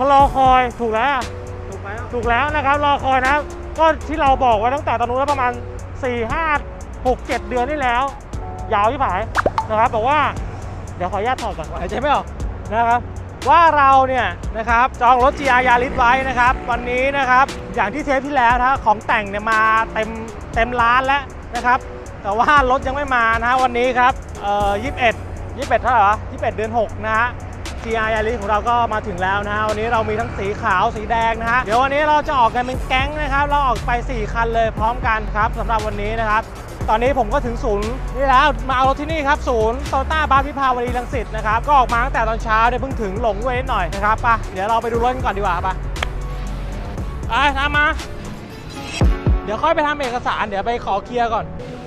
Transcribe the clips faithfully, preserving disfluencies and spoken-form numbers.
เขารอคอยถูกแล้วถูกไหมถูกแล้วนะครับรอคอยนะครับก็ที่เราบอกไว้ตั้งแต่ตอนนู้นแล้วประมาณสี่ ห้า หก เจ็ดเดือนที่แล้วยาวที่ผายนะครับบอกว่าเดี๋ยวขออนุญาตถอดก่อนหายใจไม่ออกนะครับว่าเราเนี่ยนะครับจองรถ จี อาร์ Yaris ไว้นะครับวันนี้นะครับอย่างที่เทปที่แล้วนะของแต่งเนี่ยมาเต็มเต็มร้านแล้วนะครับแต่ว่ารถยังไม่มานะวันนี้ครับเอ่อยี่สิบเอ็ด ยี่สิบเอ็ดเท่าไหร่วะยี่สิบเอ็ดเดือนหกนะฮะ จี อาร์ Yaris ของเราก็มาถึงแล้วนะฮะวันนี้เรามีทั้งสีขาวสีแดงนะฮะเดี๋ยววันนี้เราจะออกกันเป็นแก๊งนะครับเราออกไปสี่คันเลยพร้อมกันครับสำหรับวันนี้นะครับตอนนี้ผมก็ถึงศูนย์นี่แล้วมาเอารถที่นี่ครับศูนย์โตต้าบาร์วิภาวดีรังสิตนะครับก็ออกมาตั้งแต่ตอนเช้าเนี่ยเพิ่งถึงหลงด้วยนิดหน่อยนะครับไปเดี๋ยวเราไปดูรถกันก่อนดีกว่าไปไปตามมาเดี๋ยวค่อยไปทำเอกสารเดี๋ยวไปขอเคลียร์ก่อน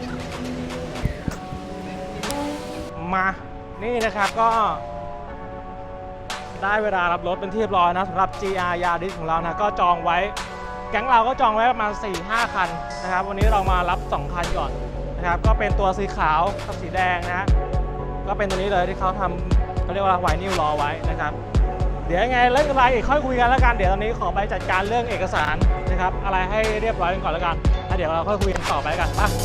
มานี่นะครับก็ได้เวลารับรถเป็นที่เรียบร้อยนะสำหรับ จี อาร์ Yaris ของเรานะก็จองไว้แก๊งเราก็จองไว้ประมาณ สี่ ห้า คันนะครับวันนี้เรามารับสองคันก่อนนะครับก็เป็นตัวสีขาวกับสีแดงนะฮะก็เป็นตัวนี้เลยที่เขาทำเขาเรียกว่าไวนิลรอไว้นะครับเดี๋ยวยังไงเรื่องอะไรอีกค่อยคุยกันแล้วกันเดี๋ยวตอนนี้ขอไปจัดการเรื่องเอกสารนะครับอะไรให้เรียบร้อยกันก่อนแล้วกันแล้วเดี๋ยวเราค่อยคุยกันต่อไปกันป่ะ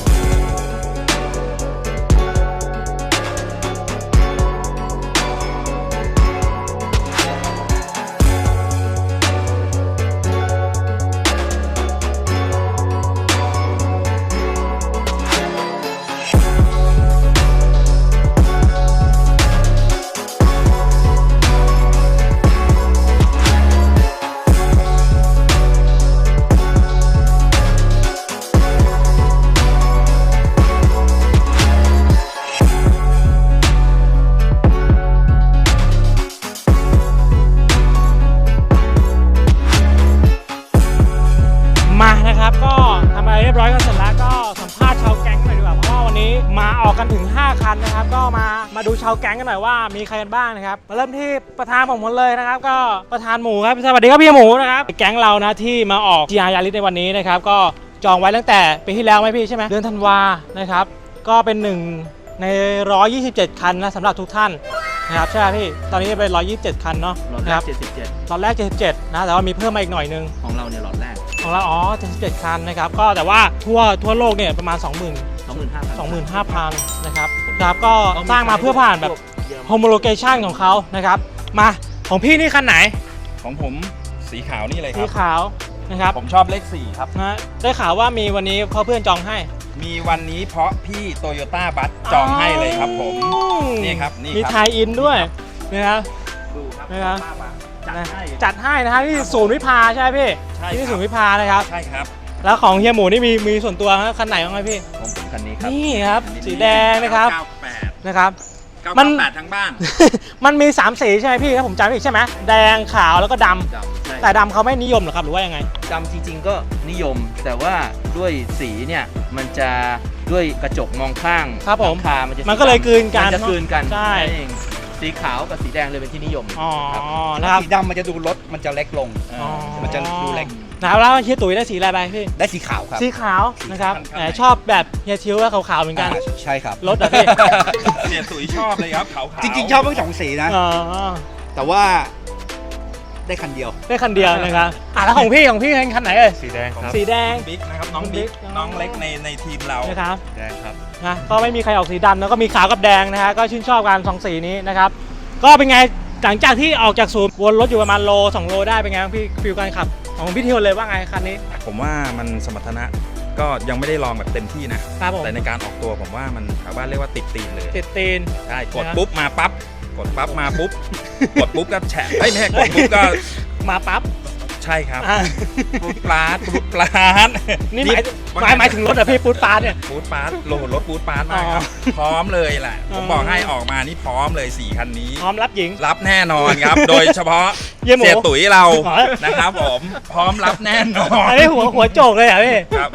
มานะครับก็ทำอะไรเรียบร้อยกันเสร็จแล้วก็สัมภาษณ์ชาวแก๊งหน่อยดีกว่าเพราะว่าวันนี้มาออกกันถึงห้าคันนะครับก็มามาดูชาวแก๊งกันหน่อยว่ามีใครกันบ้างนะครับมาเริ่มที่ประธานผมคนเลยนะครับก็ประธานหมูครับสวัสดีครับพี่หมูนะครับแก๊งเรานะที่มาออก จี อาร์ Yaris ในวันนี้นะครับก็จองไว้ตั้งแต่ปีที่แล้วไหมพี่ใช่ไหมเดือนธันวานะครับก็เป็นหนึ่งในหนึ่งร้อยยี่สิบเจ็ดคันนะสำหรับทุกท่านนะครับใช่ไหมพี่ตอนนี้เป็นหนึ่งร้อยยี่สิบเจ็ดคันเนาะล็อตแรกเจ็ดสิบเจ็ดล็อตแรกเจ็ดสิบเจ็ดนะแต่ว่ามีเพิ่มมาอีกหน่อยนึงของเราเนี่ยล็อตแรกของเราอ๋อเจ็ดสิบเจ็ดคันนะครับก็แต่ว่าทั่วทั่วโลกเนี่ยประมาณ สองหมื่นสองหมื่นห้าพันสองหมื่นห้าพัน นะครับครับก็สร้างมาเพื่อผ่านแบบ homologation ของเขานะครับมาของพี่นี่คันไหนของผมสีขาวนี่เลยคสีรับขาวนะครับผมชอบเลขสี่ครับนะได้ข่าวว่ามีวันนี้เขาเพื่อนจองให้มีวันนี้เพราะพี่โตโยต้าบัสจองให้เลยครับผมนี่ครับนี่มีไทยอินด้วยนะครับดูครับนะครับจัดให้จัดให้นะครับที่ศูนย์วิภาใช่ไหมพี่ที่ศูนย์วิภานะครับใช่ครับแล้วของเฮียหมูนี่มีมีส่วนตัวคันไหนบ้างไหมพี่ของผมคันนี้ครับนี่ครับสีแดงนะครับนะครับมันแปดทั้งบ้านมันมีสามสีใช่ไหมพี่ถ้าผมจำไม่ผิดใช่ไหมแดงขาวแล้วก็ดำแต่ดำเขาไม่นิยมหรอครับหรือว่ายังไงดำจริงๆก็นิยมแต่ว่าด้วยสีเนี่ยมันจะด้วยกระจกมองข้างครับผมคามันจะมันก็เลยกลืนกันมันจะกลืนกันใช่สีขาวกับสีแดงเลยเป็นที่นิยมอ๋อนะครับสีดำมันจะดูรถมันจะเล็กลงมันจะดูเล็กนะครับแล้วเฮียตุ๋ยได้สีอะไรไปพี่ได้สีขาวครับสีขาวนะครับแหมชอบแบบเฮียชิวว่าขาวๆเหมือนกันใช่ครับรถอะพี่เนี่ยตุ๋ยชอบเลยครับขาวๆจริงๆชอบทั้งสองสีนะแต่ว่าได้คันเดียวได้คันเดียวนะครับอ่ะแล้วของพี่ของพี่เป็นคันไหนเอ่ยสีแดงครับสีแดงบิ๊กนะครับน้องบิ๊กน้องเล็กในในทีมเรานะครับแดงครับนะก็ไม่มีใครออกสีดำแล้วก็มีขาวกับแดงนะฮะก็ชื่นชอบกันสองสีนี้นะครับก็เป็นไงหลังจากที่ออกจากศูนย์วนรถอยู่ประมาณโลสองโลได้เป็นไงพี่ฟิลการขับของพี่เทียวเลยว่าไงคันนี้ผมว่ามันสมรรถนะก็ยังไม่ได้ลองแบบเต็มที่นะแต่ในการออกตัวผมว่ามันชาวบ้านเรียกว่าติดตีนเลยติดตีนใช่กดปุ๊บมาปั๊บกดปั๊บมาปุ๊บกดปุ๊บก็แฉะเอ้ยไม่ใช่กดปุ๊บก็มาปั๊บใช่ครับปุ๊บปลาดปุ๊บปลาดนี่หมายหมายหมายถึงรถอะพี่ปุ๊บปลาดเนี่ยปุ๊บปลาดโหลดรถปุ๊บปลาดมาครับพร้อมเลยแหละผมบอกให้ออกมานี่พร้อมเลยสี่คันนี้พร้อมรับหญิงรับแน่นอนครับโดยเฉพาะเสียตุ๋ยเรานะครับผมพร้อมรับแน่นอนอันนี้หัวหัวโจกเลยอ่ะพี่ครับ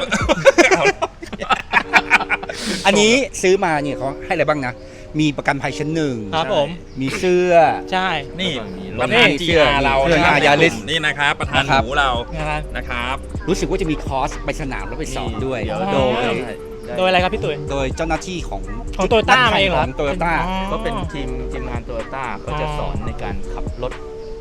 อันนี้ซื้อมาเนี่ยเขาให้อะไรบ้างนะมีประกันภัยชั้นหนึ่งครับผมมีเสื้อใช่นี่ประธาน จี อาร์ เรานี่นะครับประธานหมูเรานะครับรู้สึกว่าจะมีคอร์สไปสนามแล้วไปสอนด้วยโดยโดยอะไรครับพี่ตุ๋ยโดยเจ้าหน้าที่ของของโตโยต้าเองเหรอของโตโยต้าก็เป็นทีมทีมงานโตโยต้าก็จะสอนในการขับรถ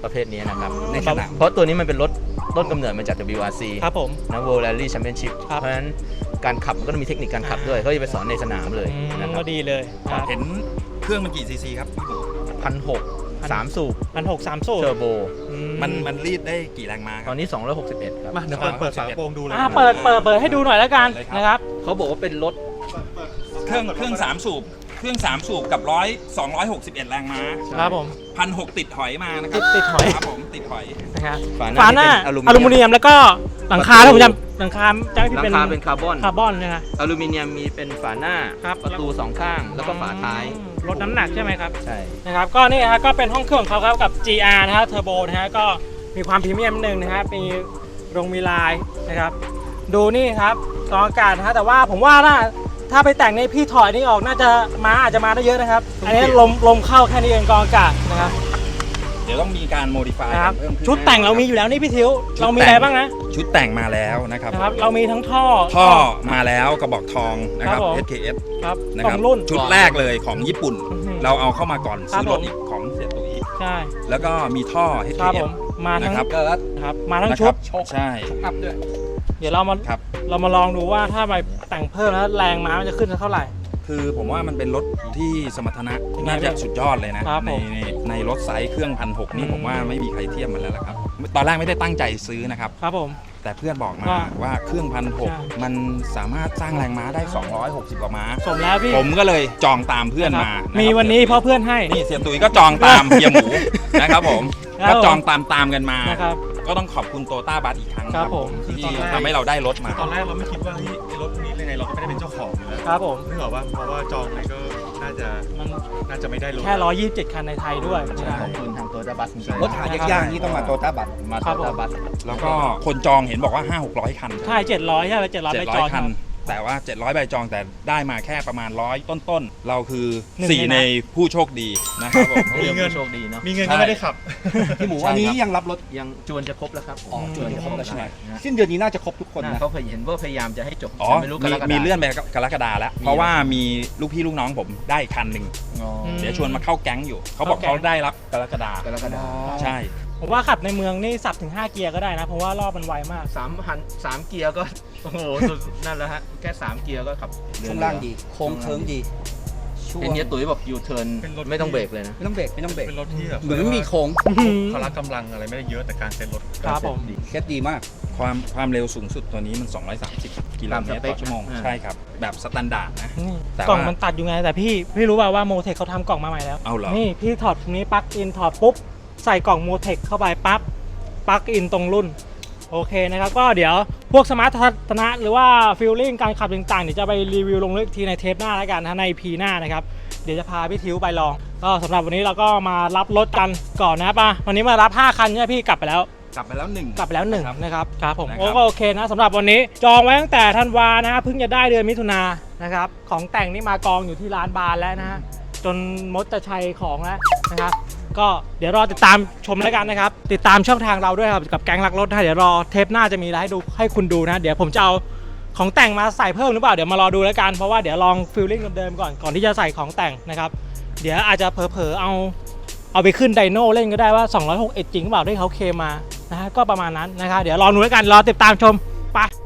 ประเภทนี้นะครับในสนามเพราะตัวนี้มันเป็นรถต้นกำเนิดมาจาก ดับเบิลยู อาร์ ซีครับผมนะ World Rally Championship ครับเพราะฉะนั้นการขับมันก็ต้องมีเทคนิคการขับด้วยเขาจะไปสอนในสนามเลยอืมนะครัก็บดีเลยครับเห็นเครื่องมันกี่ซีซีครับพี่หมูพันหกสามสูบพันหกสามสูบเทอร์โบอืมันมันรีดได้กี่แรงม้าคตรัอบ นนี้สองร้อยหกสิบเอ็ดครับมาเดี๋ยวเปิดเปิดฝากระโปรงดูเลยอ่าเปิดเปิดเปิดให้ดูหน่อยแล้วกันเลยครับนะครับเขาบอกว่าเป็นรถเครื่องเครื่องสามสูบเครื่องสามสูบกับร้อยสองร้อยหกสิบเอ็ดแรงม้าครับผมพันหกติดหอยมานะครัติดติดหอยครับผมติดหอยนะครับฝาหฝาน้าหน้าที่เป็นอลูมิเนียมแล้วก็หลังคาประตูถ้าผมจำหลังคาจะหที่ลังเป็นคาเป็นคาร์บอนคาร์บอนนะฮะอลูมิเนียมมีเป็นฝาหน้าครับประตูสองข้างแล้วก็ฝาท้ายลดน้ำหนักใช่ไหมครับใช่นะครับก็นี่ฮะก็เป็นห้องเครื่องของเขาครับกับ จี อาร์ นะฮะเทอร์โบนะฮะก็มีความพรีเมียมนิดนึงนะฮะมีรงมีลายนะครับดูนี่ครับกรองอากาศนะฮะแต่ว่าผมว่าถ้าถ้าไปแต่งในพี่ถอยนี่ออกน่าจะมาอาจจะมาได้เยอะนะครับ อันนี้ลมลมเข้าแค่นี้เองกรองอากาศนะครับเดี๋ยวต้องมีการโมดิฟายนะครับเพิ่มขึ้นชุดแต่งเรามีอยู่แล้วนี่พี่ทิวเรามีอะไรบ้างนะชุดแต่งมาแล้วนะครับนะครับเรามีทั้งท่อท่อมาแล้วกระบอกทองนะครับครับผมเอส เค เอสครับนะสคอรับงรุ่นชุดแรกเลยของญี่ปุ่นอื้อหือเราเอาเข้ามาก่อนครับซื้อรถผมอีกของเสียตุ๋ยใช่แล้วก็มีท่อ เอสคเครับเอผสมมาทั้งนะครับเกิดครับมาทั้งนะชุครัดบใช่อัพด้วยเดี๋ยวเรามาครับเรามาลองดูว่าถ้าไปแต่งเพิ่มแล้วแรงม้ามันจะขึ้นเท่าไหร่คือผมว่ามันเป็นรถที่สมรรถนะยังไงน่าจะสุดยอดเลยนะครับในผมในในรถไซส์เครื่องพันหกนี่อืมผมว่าไม่มีใครเทียบมันแล้วล่ะครับ ตอนแรกไม่ได้ตั้งใจซื้อนะครับครับผมแต่เพื่อนบอกมาว่าว่าเครื่องพันหกใช่มันสามารถสร้างแรงม้าได้ สองร้อยหกสิบกว่าม้าสมแล้วพี่ผมก็เลยจองตามเพื่อนนะครับมามีมีวันนี้เพราะเพื่อนให้นี่เสียตุ๋ยก็จองตาม เฮียหมูนะครับผมครับก็จองตามตามกันมานะครับก็ต้องขอบคุณโตต้าบัสอีกครั้งครับผมที่ทำให้เราได้รถมาตอนแรกเราไม่คิดว่าเฮ้ยไอ้รถพวกนี้ยังไงเราก็ไม่ได้เป็นเจ้าของอยู่แล้วครับผมนึกออกว่าเพราะว่าจองไปก็น่าจะมันน่าจะไม่ได้รถแค่ร้อยยี่สิบเจ็ดคันในไทยด้วยขอบคุณทางตัวดับบัสจริงรถหายากๆนี่ต้องมาโตต้าบัตมาครัตับวผมดับบัสแล้วก็คนจองเห็นบอกว่า ห้าหกร้อย คันใช่เจ็ดร้อยใช่ไหมเจ็ดร้อยใบจองคัน แต่ว่า เจ็ดร้อย ใบจองแต่ได้มาแค่ประมาณร้อยต้นๆ เราคือหนึ่งสี่ในในผู้โชคดีนะครับผมมีเงินโชคดีเนาะมีเงินก็ไม่ได้ขับพี่หมูใช่อันนี้ครับยังรับรถยังจวนจะครบแล้วครับอ๋อจวนจะครบแล้วใช่ไหมนะสิ้นเดือนนี้น่าจะครบทุกคนน่านะเขาเคยเห็นว่าพยายามจะให้จบอ๋อแต่ไม่รู้กมีรกฎามีเลื่อนไปกรกฎาแล้ว เพราะว่ามีลูกพี่ลูกน้องผมได้อีกคันหนึ่งอ๋อมเดี๋ยวชวนมาเข้าแก๊งอยู่ เขาบอกเข้าแก๊งเขาได้รับกรกฎากรกฎาใช่ผมว่าขับในเมืองนี่สับถึงห้าเกียร์ก็ได้นะ เพราะว่ารอบมันไวมากสามพันสามเกียร์ก็ โอ้โหสุดนั่นแหละฮะแค่สามเกียร์ก็ขับเรือช่วงล่างดี โค้งเคิ้งดีช่วงเห็นเนี้ยตุ๋ยบอกยูเทิร์นเป็นรถไม่ต้องเบรกเลยนะไม่ต้องเบรกไม่ต้องเบรกเป็นรถที่แบบเหมือนไม่มีโค้งพละกำลังอะไรไม่ได้เยอะแต่การเซ็นรถครับผมเคสดีมากความความเร็วสูงสุดตัวนี้มัน สองร้อยสามสิบ กิโลเมตรต่อชั่วโมง ใช่ครับ แบบสแตนดาร์ดนะนี่แต่ว่ากล่องมันตัดอยู่ไง แต่พี่พี่รู้ป่าวว่าโมเทคเขาทำกล่องมาใหม่แล้วเอาเหรอนี่พี่ถอดตรงนี้ปลั๊กอินถอดปุ๊บ ใส่กล่องโมเทคเข้าไปปั๊บปลั๊กอินตรงรุ่น โอเคนะครับ ก็เดี๋ยวพวกสมาร์ททัศนะหรือว่าฟีลลิ่งการขับต่างๆเดี๋ยวจะไปรีวิวลงลึกทีในเทปหน้าแล้วกันนะในพีหน้านะครับ เดี๋ยวจะพาพี่ทิวไปลอง ก็สำหรับวันนี้เราก็มารับรถกันก่อนนะป่ะวันนี้มารับห้าคันใช่ไหมพี่กลับไปแล้วกลับไปแล้วหนึ่งกลับไปแล้วหนึ่งครับนะครับครับผมนะครับโอ้ก็โอเคนะสำหรับวันนี้จองไว้ตั้งแต่ธันวานะฮะเพิ่งจะได้เดือนมิถุนายนนะครับของแต่งนี่มากองอยู่ที่ร้านบานแล้วนะฮะจนมดจะชัยของแล้วนะครับก็เดี๋ยวรอติดตามชมแล้วกันนะครับติดตามช่องทางเราด้วยครับกับแก๊งรักรถนะเดี๋ยวรอเทปหน้าจะมีอะไรให้ดูให้คุณดูนะเดี๋ยวผมจะเอาของแต่งมาใส่เพิ่มหรือเปล่าเดี๋ยวมารอดูแล้วกันเพราะว่าเดี๋ยวลองฟีลลิ่งเดิมๆก่อนก่อนที่จะใส่ของแต่งนะครับเดี๋ยวอาจจะเผลอๆเอา เอาไปขึ้นไดโน่เล่นก็ได้ว่าสองร้อยหกสิบเอ็ดจริงหรือเปล่าที่เขาเคลมมานะฮะก็ประมาณนั้นนะครับเดี๋ยวรอดูแล้วกันรอติดตามชมไป